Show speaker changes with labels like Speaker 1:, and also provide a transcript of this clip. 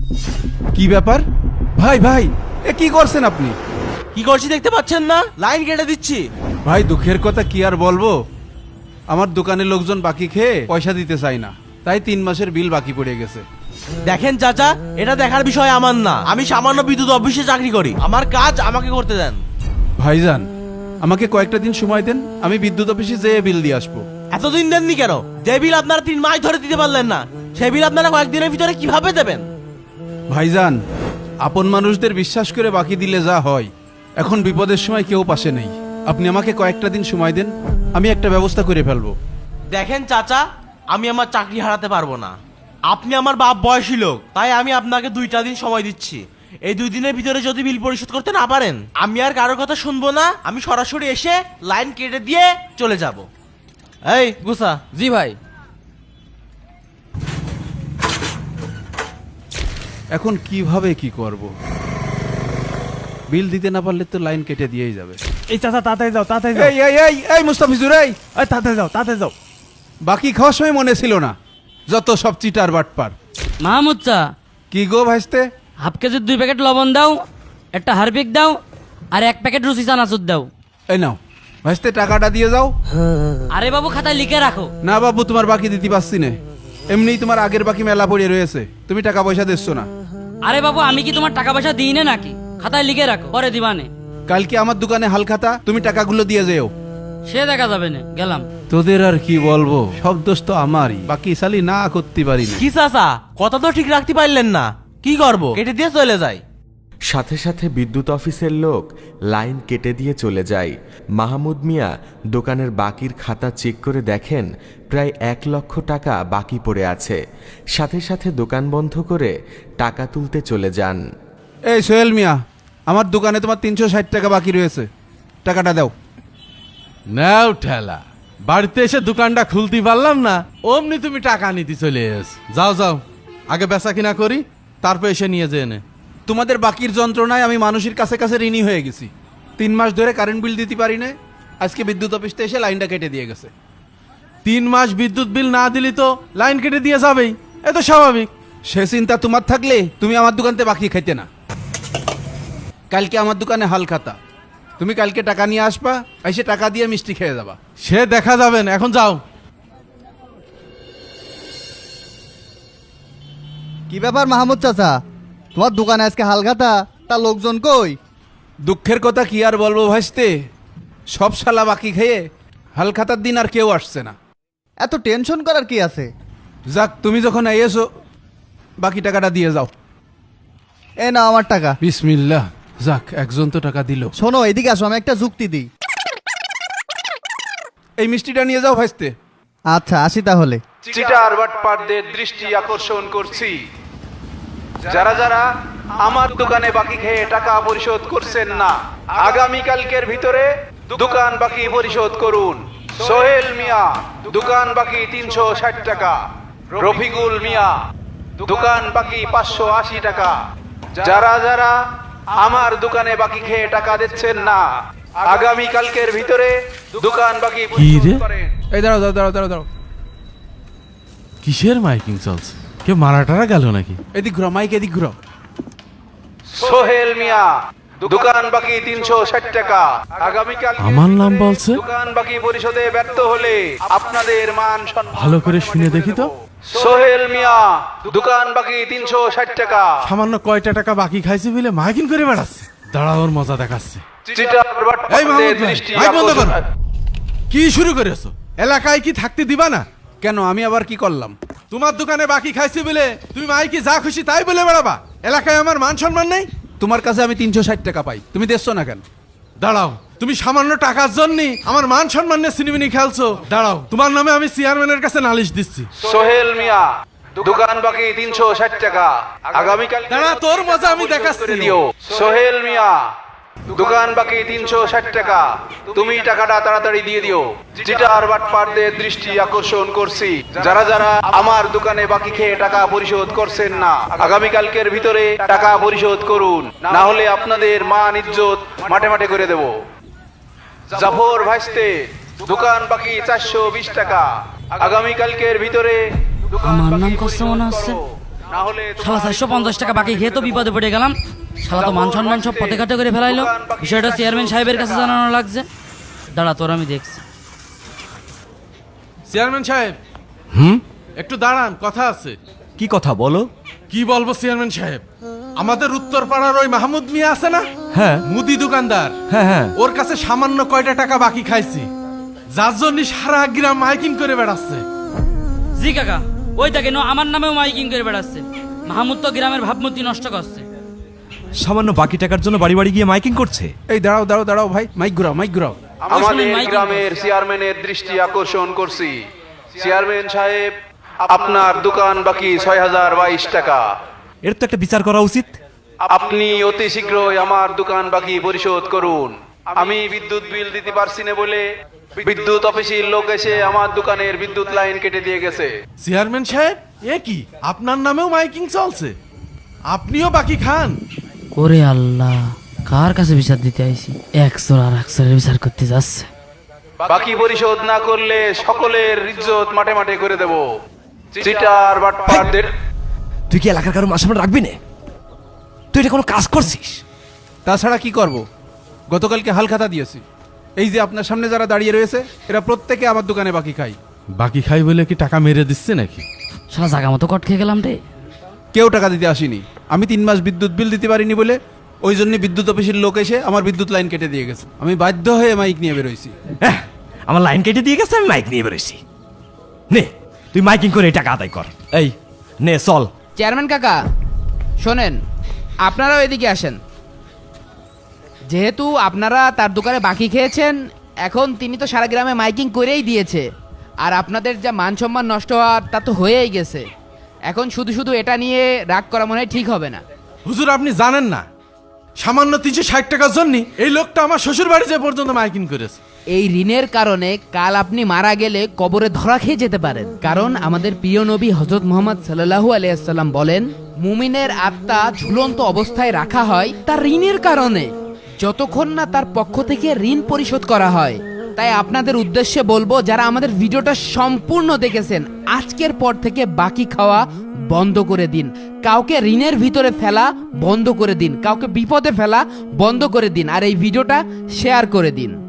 Speaker 1: কি ব্যাপার? ভাই ভাই, এ কি করছেন আপনি?
Speaker 2: কি করছি দেখতে পাচ্ছেন না? লাইন কেটে দিচ্ছি।
Speaker 1: ভাই দুঃখের কথা কি আর বলবো, আমার দোকানের লোকজন বাকি খেয়ে পয়সা দিতে চায় না, তাই 3 মাসের বিল বাকি পড়ে গেছে।
Speaker 2: দেখেন চাচা, এটা দেখার বিষয় আমার না। আমি সামান্য বিদ্যুৎ অফিসে চাকরি করি, আমার কাজ আমাকে করতে দেন।
Speaker 1: ভাইজান, আমাকে কয়েকটা দিন সময় দেন, আমি বিদ্যুৎ অফিসে যেয়ে বিল দিয়ে আসবো।
Speaker 2: এতদিন দেননি কেন? যে বিল আপনারা 3 মাস ধরে দিতে পারলেন না, সেই বিল আপনারা কয়েকদিনের ভিতরে কিভাবে দেবেন?
Speaker 1: ভাইজান, আপন মানুষদের বিশ্বাস করে বাকি দিলে যা হয়, এখন বিপদের সময় কেউ পাশে নেই। আপনি আমাকে কয়েকটা দিন সময় দেন, আমি একটা ব্যবস্থা করে ফেলবো।
Speaker 2: দেখেন চাচা, আমি আমার চাকরি হারাতে পারবো না। আপনি আমার বাপ বয়সী লোক, তাই আমি আপনাকে 2টা দিন সময় দিচ্ছি। এই 2 দিনের ভিতরে যদি বিল পরিশোধ করতে না পারেন, আমি আর কারোর কথা শুনবো না। আমি সরাসরি এসে লাইন কেটে দিয়ে চলে যাব। এই গুসা।
Speaker 3: জি ভাই।
Speaker 1: এখন কিভাবে কি করব? বিল দিতে না পারলে তো লাইন কেটে দিয়েই যাবে।
Speaker 4: এই চাচা তাড়াতাড়ি যাও, তাড়াতাড়ি যাও।
Speaker 1: এই এই এই এই মুস্তাফিজুর, এই
Speaker 4: এই তাড়াতাড়ি যাও, তাড়াতাড়ি যাও।
Speaker 1: বাকি খাওয়ার সময় মনে ছিল না, যত সব চিটার বাটপার।
Speaker 3: মাহমুদ চা,
Speaker 1: কি গো ভাইস্তে?
Speaker 3: হাফ কেজির 2 প্যাকেট লবণ দাও, একটা হারপিক দাও, আর 1 প্যাকেট রুচি চানাচুর দাও।
Speaker 1: এই নাও ভাইস্তে, টাকাটা দিয়ে যাও।
Speaker 3: আরে বাবু, খাতায় লিখে রাখো।
Speaker 1: না বাবু, তোমার বাকি দিতে পারছি না, এমনিই তোমার আগের বাকি মেলা পড়ে রয়েছে, তুমি টাকা পয়সা দিচ্ছ না।
Speaker 3: আরে বাবু, আমি কি তোমার টাকা পয়সা দিই না নাকি? খাতায় লিখে রাখো, পরে দিবানে।
Speaker 1: কালকে আমার দোকানে হাল খাতা, তুমি টাকাগুলো দিয়ে যেও।
Speaker 3: সে দেখা যাবে না, গেলাম।
Speaker 1: তোদের আর কি বলবো, সব দোষ তো আমারই, বাকি সালি না করতে পারি না।
Speaker 2: কি চাচা, কথা তো ঠিক রাখতে পারলেন না। কি করবো? কেটে দিয়ে চলে যাই।
Speaker 5: সাথে সাথে বিদ্যুৎ অফিসের লোক লাইন কেটে দিয়ে চলে যায়। মাহমুদ মিয়া দোকানের বাকির খাতা চেক করে দেখেন প্রায় 1 লক্ষ টাকা বাকি পড়ে আছে। সাথে সাথে দোকান বন্ধ করে টাকা তুলতে চলে যান।
Speaker 1: এই সোহেল মিয়া, আমার দোকানে তোমার 360 টাকা বাকি রয়েছে, টাকাটা দাও।
Speaker 4: নাও ঠেলা, বাড়িতে এসে দোকানটা খুলতে পারলাম না, অমনি তুমি টাকা নিতে চলে এস। যাও যাও, আগে বেচা কিনা করি, তারপর এসে নিয়ে যেয়ে নে।
Speaker 1: তোমাদের বাকির যন্ত্রণায় আমি মানুষের কাছে কাছে ঋণী হয়ে গেছি। 3 মাস ধরে কারেন্ট বিল দিতে পারি না, আজকে বিদ্যুৎ অফিসতে এসে লাইনটা কেটে দিয়ে গেছে।
Speaker 4: 3 মাস বিদ্যুৎ বিল না দিলি তো লাইন কেটে দিয়ে যাবেই, এ তো স্বাভাবিক।
Speaker 1: সে চিন্তা তোমার থাকলে তুমি আমার দোকানতে বাকি খাইতে না। কালকে আমার দোকানে হাল খাতা, তুমি কালকে টাকা নিয়ে আসবা, এসে টাকা দিয়ে মিষ্টি খেয়ে যাবা।
Speaker 4: সে দেখা যাবে না, এখন যাও।
Speaker 6: কি ব্যাপার মাহমুদ চাচা, তোমার দোকানে আজকে হালখাতা, তা লোকজন কই?
Speaker 1: দুঃখের কথা কি আর বলবো ভাইস্তে, সব শালা বাকি খেয়ে হাল খাতার দিন আর কেউ আসছে না।
Speaker 6: এত টেনশন করার কি আছে?
Speaker 1: যাক, তুমি যখন এসো বাকি টাকাটা দিয়ে যাও।
Speaker 6: এ না আমার টাকা।
Speaker 1: বিসমিল্লাহ, যাক একজন তো টাকা দিল।
Speaker 6: শোনো, এদিকে আসো, আমি একটা যুক্তি দিই।
Speaker 1: এই মিষ্টিটা নিয়ে যাও ভাইস্তে।
Speaker 6: আচ্ছা, আসি তাহলে।
Speaker 1: চিটার বাটপারদের দৃষ্টি আকর্ষণ করছি, যারা যারা আমার দোকানে বাকি খেয়ে টাকা পরিশোধ করছেন না, আগামী কালকের ভিতরে দোকান বাকি পরিশোধ করুন। সোহেল মিয়া, দোকান বাকি 360 টাকা। রফিকুল মিয়া, দোকান বাকি 580 টাকা। যারা যারা আমার দোকানে বাকি খেয়ে টাকা দিচ্ছেন না, আগামী কালকের ভিতরে দোকান বাকি পরিশোধ করেন। এই দাঁড়াও দাঁড়াও দাঁড়াও দাঁড়াও দাঁড়াও,
Speaker 4: কিসের মাইকিং চলছে? কেউ মারা টারা গেল নাকি?
Speaker 1: এদিক ঘুরো, মাইক এদিক ঘুরো। সোহেল মিয়া, দোকান বাকি 360 টাকা। আগামীকাল
Speaker 4: আমার নাম বলছে?
Speaker 1: দোকান বাকি পরিশোধে ব্যর্থ হলে আপনাদের মান সম্মান
Speaker 4: ভালো করে শুনে দেখি তো।
Speaker 1: সোহেল মিয়া, দোকান বাকি 360 টাকা।
Speaker 4: সামান্য কয়টা টাকা বাকি খাইছে বলে মাইকিং করে বেড়াচ্ছে। দাঁড়া, ওর মজা দেখাচ্ছে।
Speaker 1: চিটার
Speaker 4: এই
Speaker 1: বাটপারদের
Speaker 4: মাহমুদ ভাই,
Speaker 1: দৃষ্টি
Speaker 4: মাইক বন্ধ করো।
Speaker 1: আকর্ষণ।
Speaker 4: কি শুরু করেছো? এলাকায় কি থাকতে দিবা না?
Speaker 1: কেন, আমি আবার কি করলাম?
Speaker 4: তোমার দোকানে বাকি খাইছে বলে তুমি মাইকে যা খুশি তাই বলে বেড়াবা? এলাকায় আমার মান সম্মান নেই?
Speaker 1: তোমার কাছে আমি 360 টাকা পাই, তুমি দেখছো না কেন?
Speaker 4: দাঁড়াও, তুমি সামান্য টাকার জন্য আমার মান সম্মান নিয়ে সিনেমিনি খেলছো? দাঁড়াও, তোমার নামে আমি চেয়ারম্যানের কাছে নালিশ দিচ্ছি।
Speaker 1: সোহেল মিয়া, দোকান বাকি 360 টাকা। আগামীকাল
Speaker 4: দাঁড়া, তোর মজা আমি দেখাচ্ছি।
Speaker 1: দিও। সোহেল মিয়া, দোকান বাকি 360 টাকা, তুমি টাকাটা তাড়াতাড়ি দিয়ে দিও। চিটার বাটপারদের দৃষ্টি আকর্ষণ করছি, যারা যারা আমার দোকানে বাকি খেয়ে টাকা পরিশোধ করছেন না, আগামী কালকের ভিতরে টাকা পরিশোধ করুন, না হলে আপনাদের মান ইজ্জত মাঠে মাঠে করে দেব। জাফর ভাইস্তে, দোকান বাকি 420 টাকা। আগামী কালকের ভিতরে
Speaker 3: আমার নাম কষ্ট মনে হচ্ছে।
Speaker 1: না হলে
Speaker 3: শালা 450 টাকা বাকি খেয়ে তো বিপদে পড়ে গেলাম। শালা তো মান সম্মান সব পথে ঘাটে করে ফেলাইলো। বিষয়টা চেয়ারম্যান সাহেবের কাছে জানানো লাগছে। দাঁড়া, তোর আমি দেখছি।
Speaker 4: চেয়ারম্যান সাহেব, একটু দাঁড়ান, কথা আছে।
Speaker 7: কি কথা বলো?
Speaker 4: কি বলবো চেয়ারম্যান সাহেব, আমাদের উত্তর পাড়ার ওই মাহমুদ মিয়া আছে না,
Speaker 7: হ্যাঁ
Speaker 4: মুদি দোকানদার,
Speaker 7: হ্যাঁ হ্যাঁ
Speaker 4: ওর কাছে সামান্য কয়টা টাকা বাকি খাইছি, যার জন্য সারা গ্রাম মাইকিং করে বেড়াচ্ছে।
Speaker 3: জি কাকা, ওই দেখে আমার নামেও মাইকিং করে বেড়াচ্ছে। মাহমুদ তো গ্রামের ভাবমূর্তি নষ্ট করছে।
Speaker 7: সামান্য বাকি টাকার জন্য বাড়ি বাড়ি গিয়ে মাইকিং করছে।
Speaker 8: এই দাঁড়াও দাঁড়াও দাঁড়াও ভাই, মাইক ঘুরাও।
Speaker 1: আমাদের
Speaker 3: মাইকিং
Speaker 1: গ্রামের চেয়ারম্যানের দৃষ্টি আকর্ষণ করছি। চেয়ারম্যান সাহেব, আপনার দোকান বাকি 6022 টাকা।
Speaker 7: এর তো একটা বিচার করা উচিত।
Speaker 1: আপনি অতি শীঘ্রই আমার দোকান বাকি পরিশোধ করুন। আমি বিদ্যুৎ বিল দিতে পারছি না বলে বিদ্যুৎ অফিসের লোক এসে আমার দোকানের বিদ্যুৎ লাইন কেটে দিয়ে গেছে।
Speaker 4: চেয়ারম্যান সাহেব, এ কি, আপনার নামেও মাইকিং চলছে? আপনিও বাকি খান?
Speaker 3: ওরে আল্লাহ, কার কাছে বিচার দিতে আইছি? 100 আর 100 বিচার করতে যাচ্ছে।
Speaker 1: বাকি পরিশোধ না করলে সকলের ইজ্জত মাঠে মাঠে করে দেব। চিটার বাটপারদের
Speaker 7: তুই কি এলাকার কারো মাসে রাখবি না? তুই এটা কোনো কাজ করছিস?
Speaker 8: তাছাড়া কি করব? গতকালকে হালখাতা দিয়েছি। এই যে আপনার সামনে যারা দাঁড়িয়ে রয়েছে, এরা প্রত্যেকে আমার দোকানে বাকি খাই।
Speaker 4: বাকি খাই বলে কি টাকা মেরে দিচ্ছে নাকি?
Speaker 3: শালা জাগা মতো কট খেয়ে গেলাম রে।
Speaker 8: কেউ টাকা দিতে আসেনি। আমি 3 মাস বিদ্যুৎ বিল দিতে পারিনি বলে ওই জন্য বিদ্যুৎ অফিসের লোক এসে আমার বিদ্যুৎ লাইন কেটে দিয়ে গেছে। আমি বাধ্য হয়ে মাইক নিয়ে বেরোইছি।
Speaker 7: আমার লাইন কেটে দিয়ে গেছে, আমি মাইক নিয়ে বেরোইছি। নে তুই মাইকিং করে এই টাকা আদায় কর। এই নে চল।
Speaker 9: চেয়ারম্যান কাকা শোনেন, আপনারাও এদিকে আসেন। যেহেতু আপনারা তার দোকানে বাকি খেয়েছেন, এখন তিনি তো সারা গ্রামে মাইকিং করেই দিয়েছে, আর আপনাদের যা মান সম্মান নষ্ট হওয়ার তা তো হয়েই গেছে। এখন শুধু শুধু এটা নিয়ে রাগ করা মনে হয় ঠিক হবে না।
Speaker 4: হুজুর, আপনি জানেন না, সামান্য 360 টাকার জন্য এই লোকটা আমার শ্বশুর বাড়ি যে পর্যন্ত মাইকিং করেছে।
Speaker 9: এই ঋণের কারণে কাল আপনি মারা গেলে কবরে ধরা খেয়ে যেতে পারেন। কারণ আমাদের প্রিয় নবী হযরত মুহাম্মদ সাল্লাল্লাহু আলাইহি ওয়াসাল্লাম বলেন, মুমিনের আত্মা ঝুলন্ত অবস্থায় রাখা হয় তার ঋণের কারণে, যতক্ষণ না তার পক্ষ থেকে ঋণ পরিশোধ করা হয়। তাই আপনাদের উদ্দেশ্যে বলবো, যারা আমাদের ভিডিওটা সম্পূর্ণ দেখেছেন, আজকের পর থেকে বাকি খাওয়া বন্ধ করে দিন। কাউকে ঋণের ভিতরে ফেলা বন্ধ করে দিন, কাউকে বিপদে ফেলা বন্ধ করে দিন, আর এই ভিডিওটা শেয়ার করে দিন।